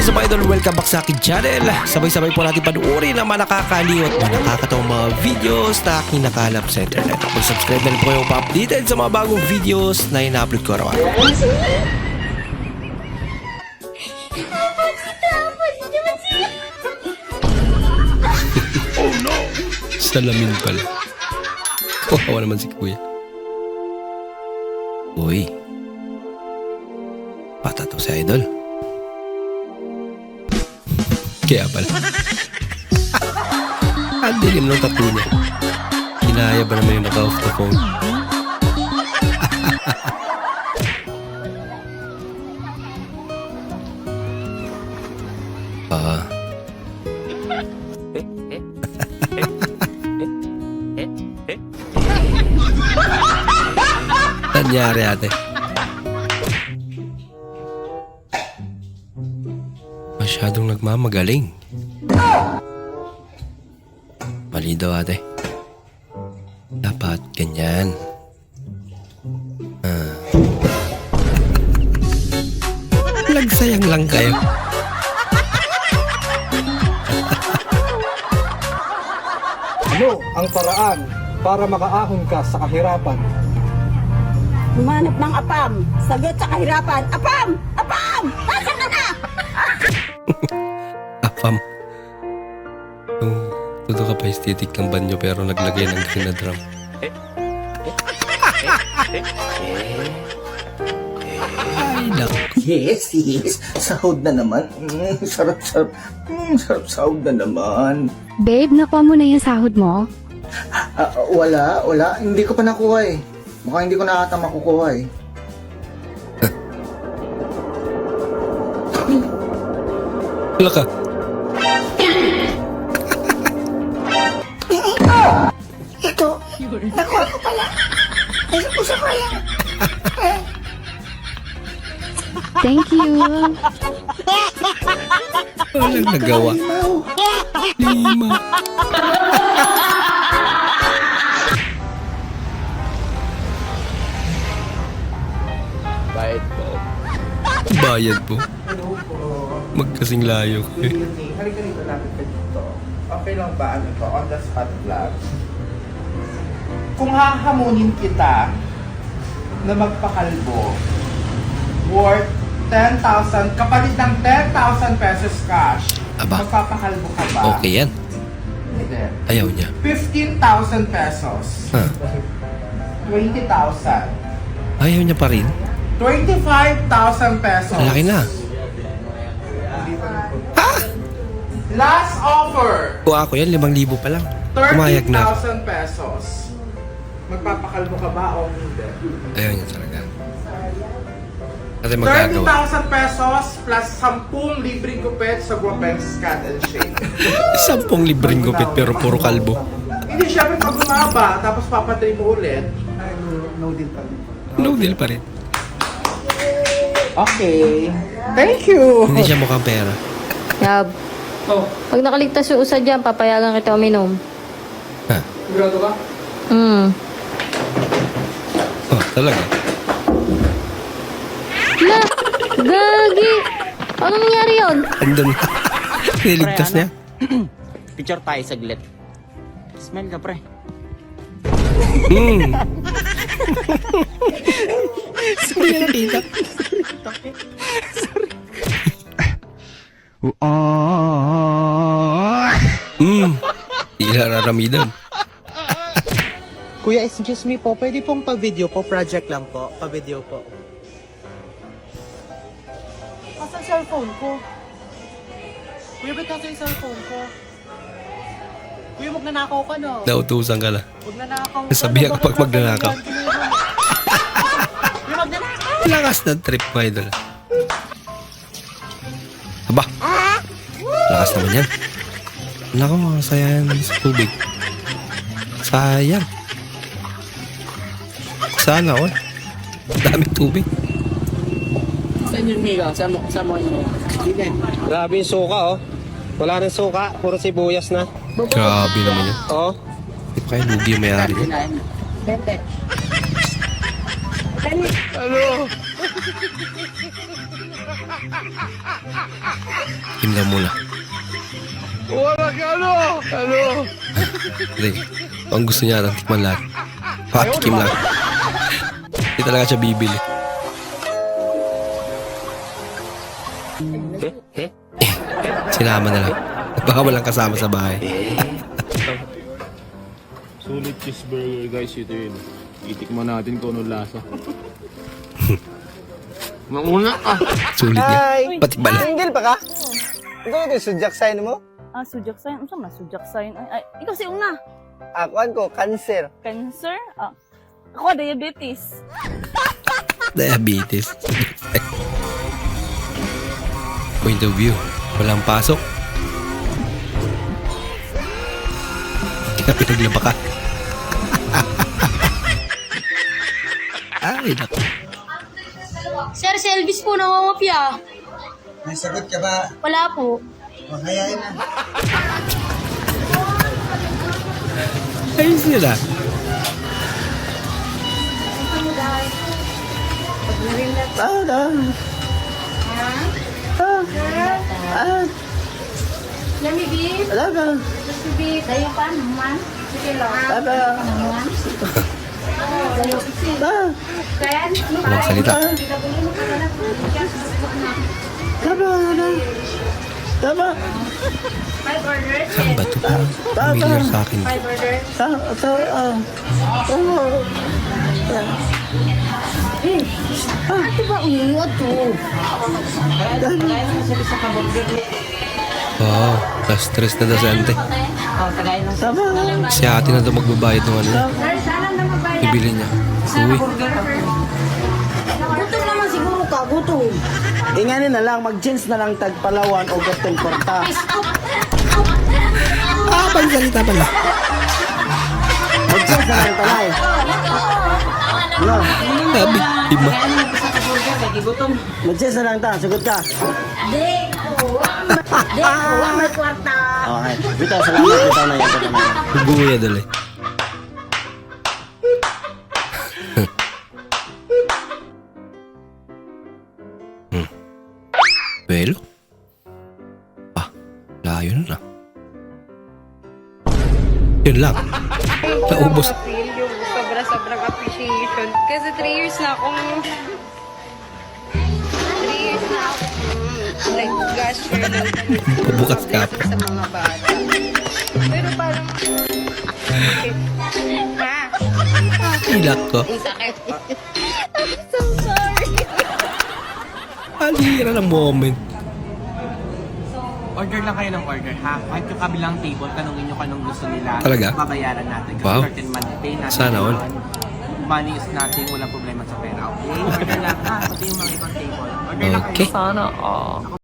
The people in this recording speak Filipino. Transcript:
is up, idol? Welcome back sa akin channel. Sabay-sabay po natin panuorin ang mga nakakaliw at mga nakakatawang mga videos na aking nakalap sa internet. Mag-subscribe na rin po kayo pa-updated sa mga bagong videos na ina-upload ko araw-araw. Oh no! Salamin pala. Kawawa naman si kuya. Uy. Bata to si idol. Kaya pala. Ang dilim ng tattoo niya. Kinaya ba naman yung naka-off the phone? Nangyari ate. Masyadong nagmamagaling. Mali daw ate. Dapat ganyan. Nagsayang lang kayo. Ano ang paraan para makaahon ka sa kahirapan? Humanap ng apam. Sagot sa kahirapan. Apam! Apam! Nasaan ka na? Apam. Yung tuto ka pa estetik ng banyo pero naglagay ng sinadram. Ay, naku. Yes. Sahod na naman. Sarap. Sarap sahod na naman. Babe, nakuha mo na yung sahod mo? Wala. Hindi ko pa nakuha eh. Mukhang hindi ko na ata makukuha eh. Wala ka. Ito. Nakuha ko pala. Ay, usa ko yan. Thank you. Walang nagawa. Lima. Bayad po. Magkasing layo kayo. Halika dito natin ka dito. Okay lang ba ano to? On the spot vlog. Kung hahamunin kita na magpakalbo worth 10,000, kapalit ng 10,000 pesos cash, Aba. magpapakalbo ka ba? Okay yan. Hindi. Ayaw niya. 15,000 pesos. Huh. 20,000. Ayaw niya pa rin. 25,000 pesos. Malaki na. Last offer. Kuha ko yan, 5,000 pa lang. Kumayag na. 30,000 pesos. Magpapakalbo ka ba o hindi? Ayaw niya talaga. Kasi magagawa. 30,000 pesos plus 10 libreng gupit sa Guapex Cat and Shade. 10 libreng gupit pero puro kalbo. Hindi, syempre pag bumaba, tapos papatay mo ulit. No deal pa. No deal pa rin. Okay. Thank you. Hindi siya mukhang pera. Yab. Pag nakaligtas yung usa dyan, papayagan kita uminom. Ha? Sigurado ka? Oh, talaga. La! Gagi! Ano nangyari yun? Andun. Niligtas niya. Picture tayo saglit. Smile ka, pre. Sorry na nakita. Ila raramidan. Kuya, excuse me po, pwede pong pa-video po, project lang po, pa-video po. Asa cellphone ko? Kuya, ba't nasa yung cellphone ko? Kuya, magnanakaw ka no? Nautusan ka na. Magnanakaw ka. Sabihan ka pag magnanakaw. Kuya, magnanakaw! Lakas ng trip mo, idol. Aba. Lakas naman yan. Naku, sayang sa tubig. Sayang. Sana all. Dami tubig. Saan yung Mika? Saan mo yun? Grabe yung suka, oh. Wala nang suka, puro sibuyas na. Grabe naman yun. Oh. Hindi pa kayo lugi yung may-ari yun. Bente. Ano? Tingnan muna. Hindi. Ang gusto niya, tikman lahat. Patikim lang. Hindi talaga siya bibili. Sinama na lang. Baka walang kasama sa bahay. Sulit cheeseburger guys, ito yun. Itikman natin kung anong lasa. Mauna ka! Sulit niya. Pati bala. Single pa ka? Ito ito, sudyak sign mo? Sujak sign. Ano na sujak sign? Ay, ikaw si una. Akuan ko, cancer. Cancer? Ako, diabetes. Diabetes. Point of view. Walang pasok. Kaya pinaglaba ka. Ay, naku. Sir, si Elvis po nangangopya. May sagot ka ba? Wala po. Makayain na. Ayos nila. Lami, beef? Wala ba? Beef. Dayo pa naman. Sige lang. Naman. Dayo. Kaya, Walang salita. five orders. Saan ba ito? Familiar sa akin. Five orders. Ito ba umiiwag to? Wow, na-stress na dasente. Si ate na ito magbabayad ng ano. Ibili niya. Uy, Gutom naman siguro ka, gutom. Inganin na lang, mag-jeans na lang tagpalawan o gatong porta. pagsalita pala. Mag-jeans na lang talay. No, Sabi, iba. mag-jeans na lang ta, sagot ka. Di, may kwarta. Okay, bitaw, salamat, bitaw na yan. Buya dali. Well, layo na. Yun lang. Naubos. Feel yung sobrang appreciation. Kasi 3 years na akong... 3 years na akong nag-gasher ng Pabukas ka pa. sa mga bata. Pero parang... Ha? Ilak ko. Ang sakit. I'm so sorry. Alira ng moment. Order lang kayo ng order, ha? Kahit yung kabilang table, tanungin nyo kanong gusto nila. Talaga? Babayaran natin. Kasi Wow. certain money pay natin. Sana all. Money is nothing, walang problema sa pera. Okay? Order lang, ha? Pati yung mga ibang table. Order lang kayo. Okay. Sana,